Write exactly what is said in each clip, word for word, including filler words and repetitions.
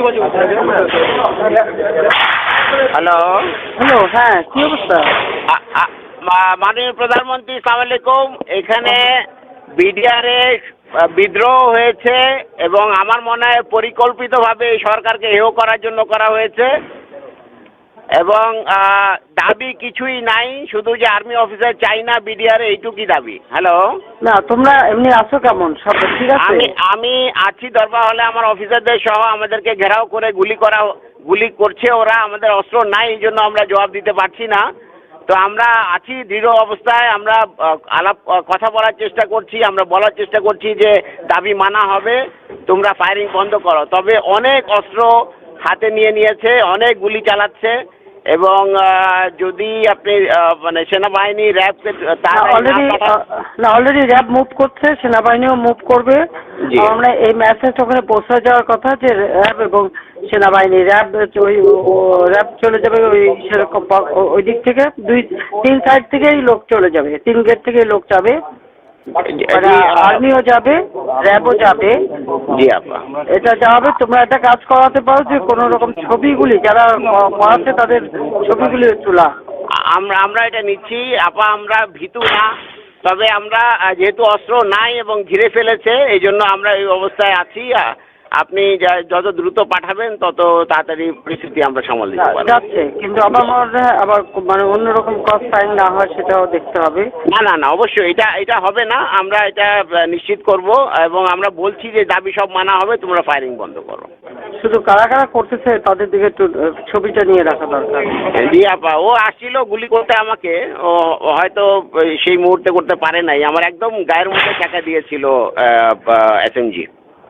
Hello hello, হ্যাঁ কি অবস্থা? মাননীয় প্রধানমন্ত্রী, সালাম আলাইকুম। এখানে বিডিআরে বিদ্রোহ হয়েছে এবং আমার মনে হয় পরিকল্পিতভাবে এই সরকারকে হেয় করার জন্য করা হয়েছে এবং দাবি কিছুই নাই, শুধু যে আর্মি অফিসার চাই না বিডিআরে, এইটুকুই দাবি। হ্যালো, না তোমরা এমনি আছো কেমন? সব ঠিক আছে? আমি আমি আছি দরবার হলে, আমার অফিসারদের সহ আমাদেরকে ঘেরাও করে গুলি করা গুলি করছে ওরা। আমাদের অস্ত্র নাই, এই জন্য আমরা জবাব দিতে পারছি না। তো আমরা আছি দৃঢ় অবস্থায়, আমরা আলাপ কথা বলার চেষ্টা করছি, আমরা বলার চেষ্টা করছি যে দাবি মানা হবে, তোমরা ফায়ারিং বন্ধ করো। তবে অনেক অস্ত্র হাতে নিয়ে নিয়েছে, অনেক গুলি চালাচ্ছে এবং যদি আপনি মানে সেনাবাহিনী র্যাবকে অলরেডি না অলরেডি র্যাব মুভ করছে, সেনাবাহিনীও মুভ করবে। আমরা এই মেসেজ ওখানে পৌঁছে যাওয়ার কথা যে র্যাব এবং সেনাবাহিনী র্যাব ওই র্যাব চলে যাবে ওই সেরকম ওই দিক থেকে, দুই তিন সাইড থেকেই লোক চলে যাবে, তিন গেট থেকেই লোক যাবে, আর্মিও যাবে, র্যাবও যাবে। জি আপা, এটা যাবে। তোমরা একটা কাজ করাতে পারো যে কোনো রকম ছবিগুলি যারা করাচ্ছে তাদের ছবিগুলি তোলা। আমরা আমরা এটা নিচ্ছি আপা, আমরা ভীতু না, তবে আমরা যেহেতু অস্ত্র নাই এবং ঘিরে ফেলেছে, এই জন্য আমরা এই অবস্থায় আছি। আপনি যত দ্রুত পাঠাবেন তত তাড়াতাড়ি পরিস্থিতি আমরা সামাল দিতে পারবো। যাচ্ছে, কিন্তু আমার মনে হয় আবার মানে অন্যরকম ক্রস ফায়ারিং না হয় সেটাও দেখতে হবে। না না না অবশ্যই এটা এটা হবে না, আমরা এটা নিশ্চিত করব এবং আমরা বলছি যে দাবি সব মানা হবে, তোমরা ফায়ারিং বন্ধ করো। শুধু কারা কারা করতেছে তাদের দিকে একটু ছবিটা নিয়ে রাখা দরকার। জি আপা, ও আসছিল গুলি করতে আমাকে, ও হয়তো সেই মুহূর্তে করতে পারে নাই, আমার একদম গায়ের মধ্যে টাকা দিয়েছিল এসএমজি।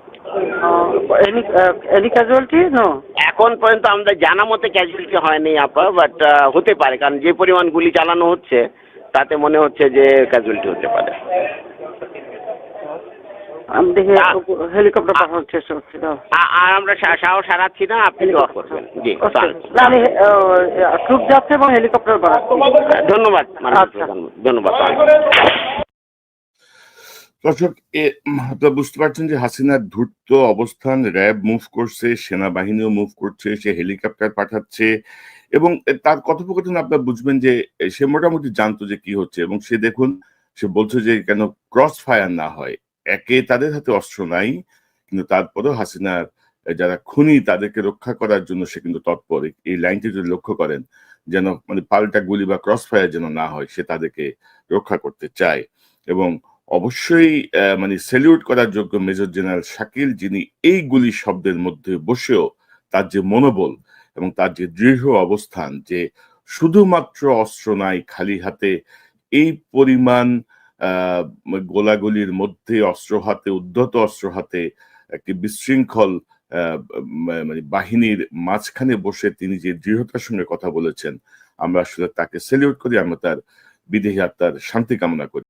Any casualty no? এখন পর্যন্ত আমাদের জানা মতে ক্যাজুয়ালিটি হয়নি আপা, বাট হতে পারে, কারণ যে পরিমাণ গুলি চালানো হচ্ছে তাতে মনে হচ্ছে যে ক্যাজুয়ালিটি হতে পারে। আমি দেখে হেলিকপ্টার পাঠানোর চেষ্টা করছি। আর আমরা সাহস হারাচ্ছি না, আপনি দোয়া করবেন। জি আমি ট্রুপ যাচ্ছে এবং হেলিকপ্টার পাঠাচ্ছি। ধন্যবাদ, ধন্যবাদ। দর্শক, বুঝতে পারছেন যে হাসিনার ধূর্ত অবস্থান, র্যাব মুভ করছে, সেনাবাহিনীও মুভ করছে, সে হেলিকপ্টার পাঠাচ্ছে এবং তার কথোপকথন আপনারা বুঝবেন যে সে মোটামুটি জানতো যে কি হচ্ছে এবং সে দেখুন সে বলছে যে কেন ক্রস ফায়ার না হয়। একে তাদের হাতে অস্ত্র নাই, কিন্তু তারপরেও হাসিনার যারা খুনি তাদেরকে রক্ষা করার জন্য সে কিন্তু তৎপর। এই লাইনটি যদি লক্ষ্য করেন, যেন মানে পাল্টা গুলি বা ক্রস ফায়ার যেন না হয়, সে তাদেরকে রক্ষা করতে চায়। এবং অবশ্যই মানে স্যালিউট করার যোগ্য মেজর জেনারেল শাকিল, যিনি এই গুলি শব্দের মধ্যে বসেও তার যে মনোবল এবং তার যে দৃঢ় অবস্থান যে শুধুমাত্র অস্ত্র নাই, খালি হাতে এই পরিমাণ আহ গোলাগুলির মধ্যে অস্ত্র হাতে, উদ্ধত অস্ত্র হাতে একটি বিশৃঙ্খল আহ মানে বাহিনীর মাঝখানে বসে তিনি যে দৃঢ়তার সঙ্গে কথা বলেছেন, আমরা আসলে তাকে স্যালিউট করি, আমরা তার বিদেহী আত্মার শান্তি কামনা করি।